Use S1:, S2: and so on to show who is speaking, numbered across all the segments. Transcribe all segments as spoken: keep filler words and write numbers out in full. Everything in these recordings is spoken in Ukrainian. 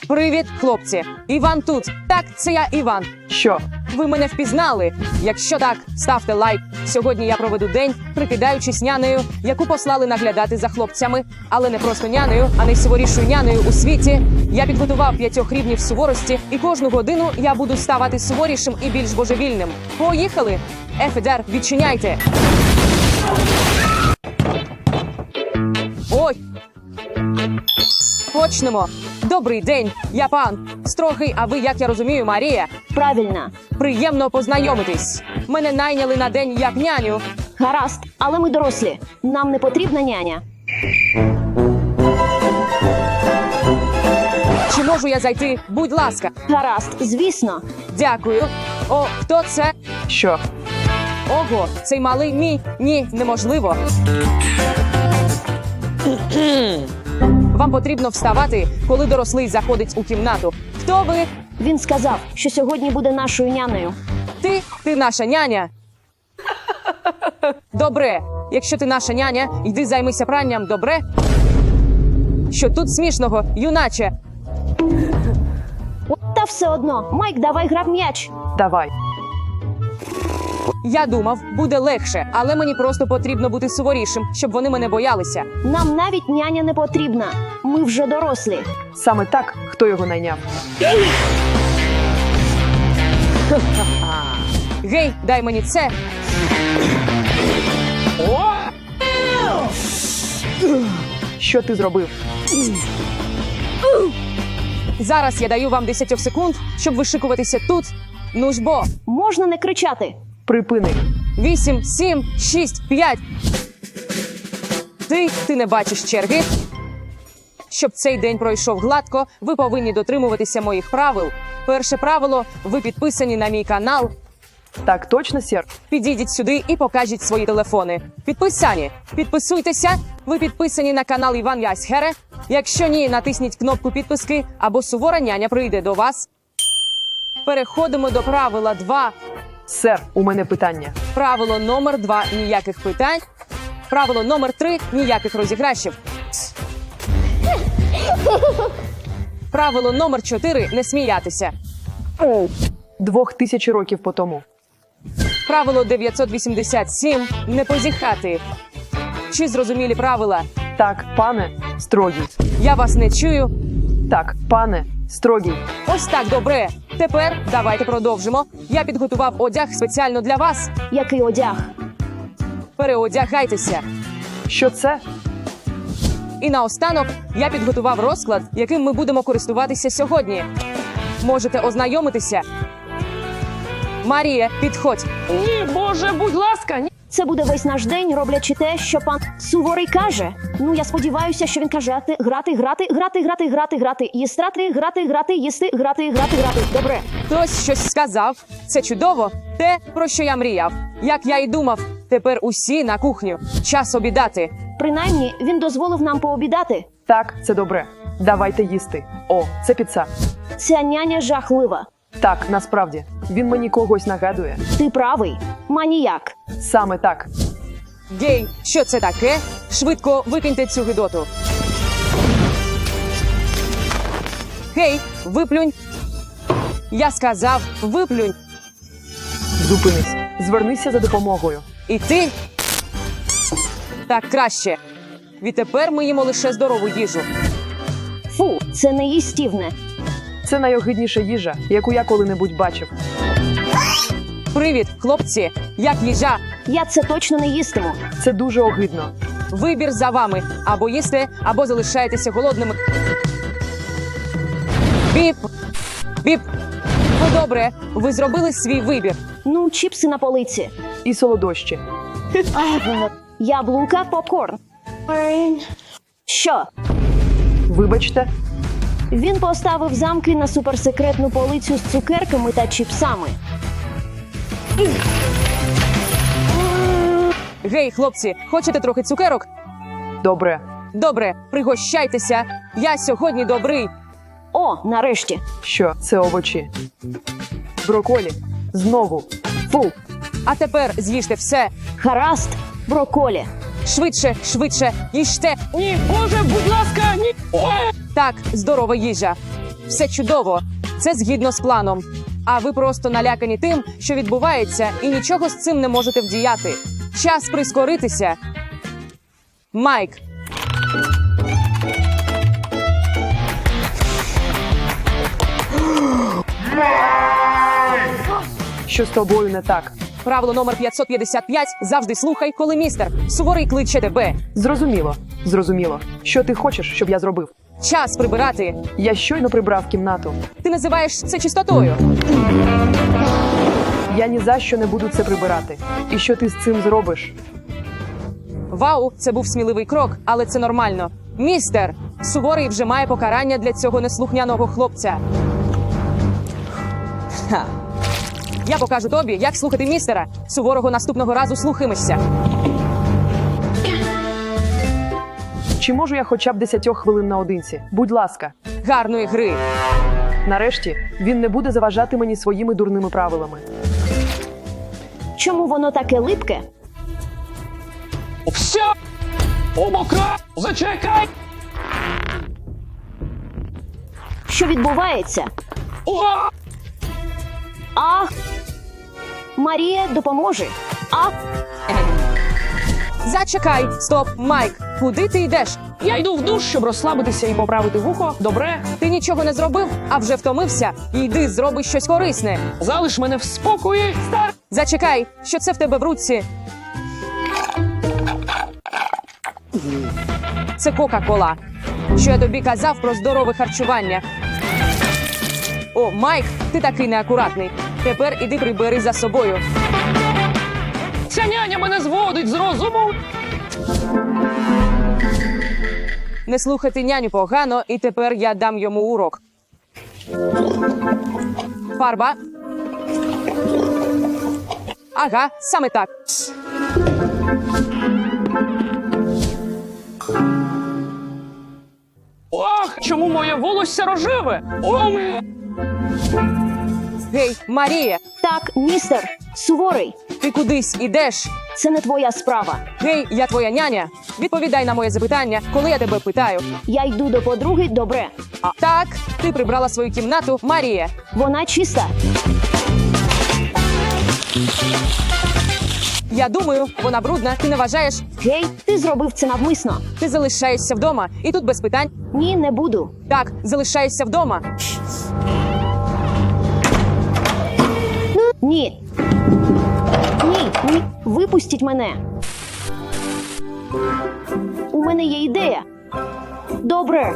S1: Привіт, хлопці. Іван тут. Так, це я, Іван.
S2: Що?
S1: Ви мене впізнали? Якщо так, ставте лайк. Сьогодні я проведу день, прикидаючись нянею, яку послали наглядати за хлопцями. Але не просто нянею, а найсуворішою нянею у світі. Я підготував п'ятьох рівнів суворості, і кожну годину я буду ставати суворішим і більш божевільним. Поїхали! Ефедер, відчиняйте! Ой! Почнемо. Добрий день, я пан. Строгий, а ви, як я розумію, Марія.
S3: Правильно.
S1: Приємно познайомитись. Мене найняли на день як няню.
S3: Гаразд, але ми дорослі. Нам не потрібна няня.
S1: Чи можу я зайти? Будь ласка.
S3: Гаразд, звісно.
S1: Дякую. О, хто це?
S2: Що?
S1: Ого, цей малий мій? Ні, неможливо. Вам потрібно вставати, коли дорослий заходить у кімнату. Хто ви?
S3: Він сказав, що сьогодні буде нашою нянею.
S1: Ти? Ти наша няня? Добре. Якщо ти наша няня, йди займися пранням, добре? Що тут смішного, юначе?
S3: Та все одно. Майк, давай грав м'яч.
S2: Давай.
S1: Я думав, буде легше, але мені просто потрібно бути суворішим, щоб вони мене боялися.
S3: Нам навіть няня не потрібна. Ми вже дорослі.
S2: Саме так, хто його найняв.
S1: Гей, дай мені це.
S2: Що ти зробив?
S1: Зараз я даю вам десять секунд, щоб вишикуватися тут. Ну ж бо.
S3: Можна не кричати.
S2: Припини.
S1: Вісім, сім, шість, п'ять. Ти, ти не бачиш черги? Щоб цей день пройшов гладко, ви повинні дотримуватися моїх правил. Перше правило – ви підписані на мій канал.
S2: Так точно, сер?
S1: Підійдіть сюди і покажіть свої телефони. Підписані. Підписуйтеся. Ви підписані на канал Іван Ясхере. Якщо ні, натисніть кнопку підписки, або сувора няня прийде до вас. Переходимо до правила два.
S2: Сер, у мене питання.
S1: Правило номер два – ніяких питань. Правило номер три – ніяких розіграшів. Правило номер чотири – не сміятися.
S2: Двох тисяч років по тому.
S1: Правило дев'ятсот вісімдесят сім – не позіхати. Чи зрозумілі правила?
S2: Так, пане, строгий.
S1: Я вас не чую.
S2: Так, пане, строгий.
S1: Ось так, добре. Тепер давайте продовжимо. Я підготував одяг спеціально для вас.
S3: Який одяг?
S1: Переодягайтеся.
S2: Що це?
S1: І наостанок я підготував розклад, яким ми будемо користуватися сьогодні. Можете ознайомитися. Марія, підходь.
S4: Ні, Боже, будь ласка, ні.
S3: Це буде весь наш день, роблячи те, що пан Суворий каже. Ну, я сподіваюся, що він каже грати, грати, грати, грати, грати, грати, їстрати, грати, грати, їсти, грати, грати, грати. Добре.
S1: Хтось щось сказав. Це чудово. Те, про що я мріяв. Як я й думав. Тепер усі на кухню. Час обідати.
S3: Принаймні, він дозволив нам пообідати.
S2: Так, це добре. Давайте їсти. О, це піца.
S3: Ця няня жахлива.
S2: Так, насправді. Він мені когось нагадує.
S3: Ти правий. Маніяк.
S2: Саме так.
S1: Гей, що це таке? Швидко викиньте цю гидоту. Гей, виплюнь. Я сказав, виплюнь.
S2: Зупинись. Звернися за допомогою.
S1: І ти? Так краще. Відтепер ми їмо лише здорову їжу.
S3: Фу, це неїстівне.
S2: Це найогидніша їжа, яку я коли-небудь бачив.
S1: Привіт, хлопці. Як їжа?
S3: Я це точно не їстиму.
S2: Це дуже огидно.
S1: Вибір за вами. Або їсте, або залишаєтеся голодними. Біп. Біп. Ну добре, ви зробили свій вибір.
S3: Ну, чіпси на полиці.
S2: І солодощі.
S3: Яблука, попкорн. Що?
S2: Вибачте.
S3: Він поставив замки на суперсекретну полицю з цукерками та чіпсами.
S1: Гей, хлопці, хочете трохи цукерок?
S2: Добре.
S1: Добре, пригощайтеся. Я сьогодні добрий.
S3: О, нарешті.
S2: Що? Це овочі. Броколі. Знову.
S3: Фу.
S1: А тепер з'їжте все.
S3: Гаразд. Броколі.
S1: Швидше, швидше, їжте.
S4: Ні, Боже, будь ласка, ні.
S1: Так, здорова їжа. Все чудово. Це згідно з планом. А ви просто налякані тим, що відбувається, і нічого з цим не можете вдіяти. Час прискоритися. Майк.
S2: Що з тобою не так?
S1: Правило номер п'ятсот п'ятдесят п'ять. Завжди слухай, коли містер суворий кличе тебе.
S2: Зрозуміло, зрозуміло. Що ти хочеш, щоб я зробив?
S1: Час прибирати.
S2: Я щойно прибрав кімнату.
S1: Ти називаєш це чистотою.
S2: Я ні за що не буду це прибирати. І що ти з цим зробиш?
S1: Вау, це був сміливий крок, але це нормально. Містер суворий вже має покарання для цього неслухняного хлопця. Ха. Я покажу тобі, як слухати містера. Суворого наступного разу слухаємося.
S2: Чи можу я хоча б десятьох хвилин наодинці? Будь ласка.
S1: Гарної гри.
S2: Нарешті, він не буде заважати мені своїми дурними правилами.
S3: Чому воно таке липке?
S4: Все! Обока! Зачекай!
S3: Що відбувається?
S4: О!
S3: Ах! Марія, допоможи! Ах!
S1: Зачекай, стоп, Майк. Куди ти йдеш?
S4: Я йду в душ, щоб розслабитися і поправити вухо. Добре?
S1: Ти нічого не зробив, а вже втомився. Йди, зроби щось корисне.
S4: Залиш мене в спокої, стар.
S1: Зачекай, що це в тебе в руці? Це Кока-Кола. Що я тобі казав про здорове харчування. О, Майк, ти такий неакуратний. Тепер іди прибери за собою.
S4: Ця няня мене зводить з розуму.
S1: Не слухати няню погано, і тепер я дам йому урок. Фарба. Ага, саме так.
S4: Ах, чому моє волосся рожеве? О, ме-
S1: Гей, Марія,
S3: Так, містер, суворий,
S1: ти кудись ідеш?
S3: це не твоя справа.
S1: Гей, я твоя няня. Відповідай на моє запитання, коли я тебе питаю.
S3: Я йду до подруги, добре.
S1: А, так, ти прибрала свою кімнату, Марія.
S3: Вона чиста.
S1: Я думаю, вона брудна, ти не вважаєш?
S3: Гей, ти зробив це навмисно.
S1: Ти залишаєшся вдома, і тут без питань.
S3: Ні, не буду.
S1: Так, залишаєшся вдома.
S3: Ні. Ні, ні. Випустіть мене. У мене є ідея. Добре.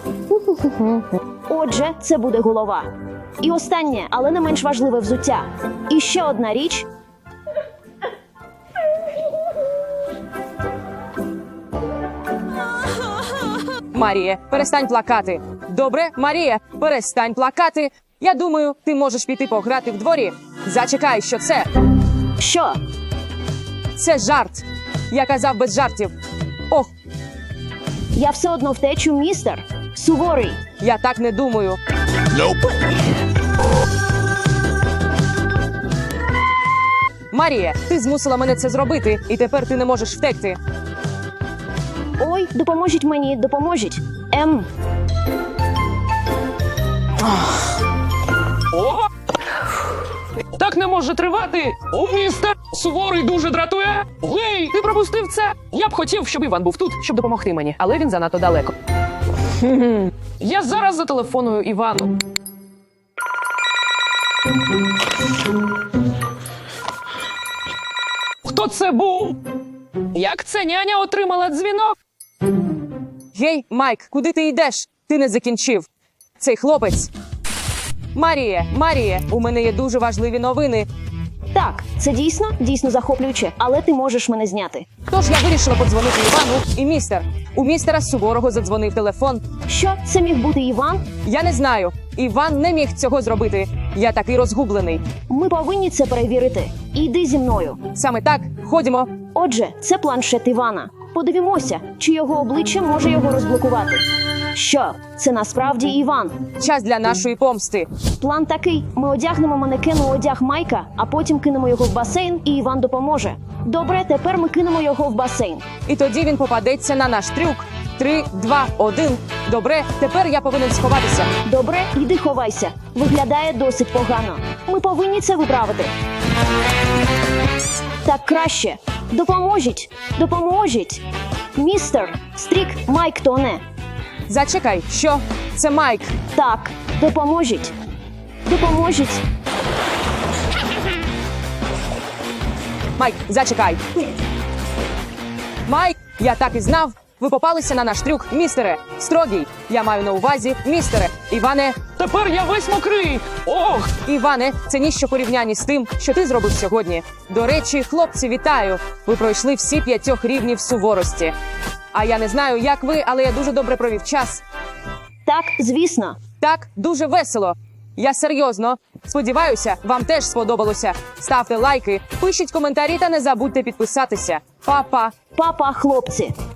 S3: Отже, це буде голова. І останнє, але не менш важливе взуття. І ще одна річ.
S1: Марія, перестань плакати. Добре, Марія, перестань плакати. Я думаю, ти можеш піти пограти в дворі. Зачекай, що це?
S3: Що?
S1: Це жарт. Я казав без жартів. Ох,
S3: Я все одно втечу, містер. Суворий.
S1: я так не думаю. Марія, ти змусила мене це зробити, і тепер ти не можеш втекти.
S3: Ой, допоможіть мені, допоможіть. Ем,
S4: О! Так не може тривати. О, містер суворий дуже дратує. Гей, ти пропустив це. Я б хотів, щоб Іван був тут, щоб допомогти мені, але він занадто далеко. Я зараз зателефоную Івану. Хто це був? Як це няня отримала дзвінок?
S1: Гей, Майк, куди ти йдеш? Ти не закінчив. Цей хлопець. Марія, Марія, у мене є дуже важливі новини.
S3: так, це дійсно, дійсно захоплююче, але ти можеш мене зняти.
S1: Тож я вирішила подзвонити Івану і містер. У містера Суворого задзвонив телефон.
S3: Що, це міг бути Іван?
S1: Я не знаю. Іван не міг цього зробити. Я такий розгублений.
S3: Ми повинні це перевірити. Іди зі мною.
S1: Саме так, ходімо.
S3: Отже, це планшет Івана. Подивімося, чи його обличчя може його розблокувати. Що, це насправді Іван.
S1: Час для нашої помсти.
S3: План такий: ми одягнемо манекену одяг Майка, а потім кинемо його в басейн, і Іван допоможе. Добре, тепер ми кинемо його в басейн.
S1: І тоді він попадеться на наш трюк. Три, два, один. Добре, тепер я повинен сховатися.
S3: Добре, іди ховайся. Виглядає досить погано. Ми повинні це виправити. Так краще. Допоможіть. Допоможіть. Містер Стрік Майк тоне.
S1: Зачекай, що? Це Майк.
S3: Так, допоможіть. Допоможіть.
S1: Майк, зачекай. Майк, я так і знав. Ви попалися на наш трюк, містере. Строгий. Я маю на увазі, містере. Іване,
S4: Тепер я весь мокрий. Ох,
S1: Іване, це ніщо порівнянні з тим, що ти зробив сьогодні. До речі, хлопці, вітаю. Ви пройшли всі п'ятьох рівнів суворості. А я не знаю, як ви, але я дуже добре провів час.
S3: Так, звісно.
S1: Так, дуже весело. Я серйозно. Сподіваюся, вам теж сподобалося. Ставте лайки, пишіть коментарі та не забудьте підписатися. Па-па!
S3: Папа, хлопці.